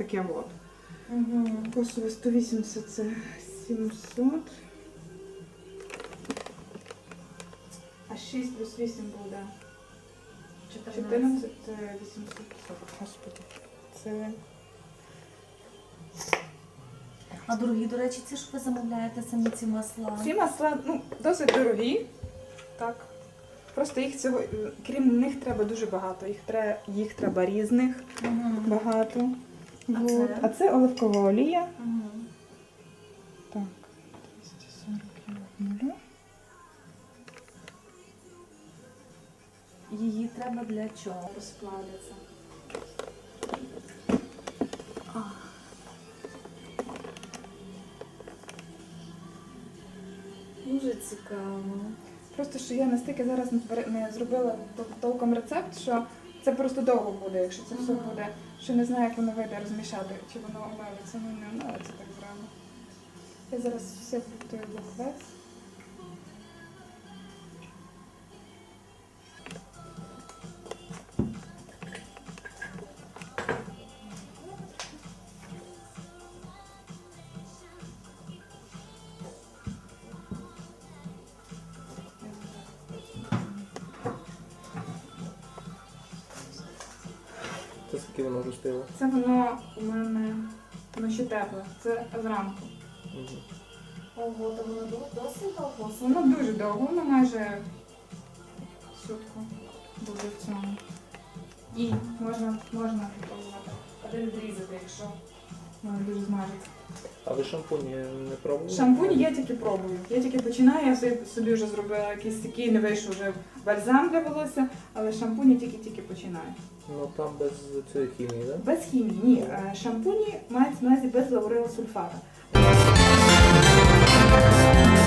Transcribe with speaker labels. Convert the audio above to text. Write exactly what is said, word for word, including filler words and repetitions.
Speaker 1: таке от.
Speaker 2: Угу.
Speaker 1: Косове сто вісімдесят це сімсот. А шість плюс вісім буде чотирнадцять, це вісімсот сорок. Господи. Це...
Speaker 2: А дорогі, до речі, це ж ви замовляєте самі ці масла?
Speaker 1: Ці масла, ну, досить дорогі. Так. Просто їх цього, крім них треба дуже багато. Їх треба, їх треба різних
Speaker 2: Угу.
Speaker 1: багато.
Speaker 2: А
Speaker 1: Вот.
Speaker 2: це?
Speaker 1: А це оливкова олія.
Speaker 2: Угу.
Speaker 1: Так, двісті сорок нуль.
Speaker 2: Її треба для чого? Розплавляться. Дуже цікаво.
Speaker 1: Просто що я настільки зараз не пере- не зробила тол- толком рецепт, що це просто довго буде, якщо це все
Speaker 2: Ага.
Speaker 1: буде. Що не знаю, як воно вийде розмішати, чи воно омелиться, ну не омелиться так зразу. Я зараз все готую буквес.
Speaker 3: Це скільки воно вже стояло?
Speaker 1: Це воно у мене воно ще тепле. Це зранку.
Speaker 3: Угу.
Speaker 2: Ого, то воно до- досить довго.
Speaker 1: Воно дуже довго, воно майже сутку буде в цьому. І можна, можна попробувати один відрізати, якщо воно дуже змажеться.
Speaker 3: А ви шампуні не пробували?
Speaker 1: Шампунь я тільки пробую. Я тільки починаю, я собі, собі вже зробила якийсь такий, не вийшов вже бальзам для волосся, але шампунь я тільки-тільки починаю.
Speaker 3: Ну там без цієї хімії, так?
Speaker 1: Без хімії, ні. Е, Шампуні мають на увазі без лаурилосульфата.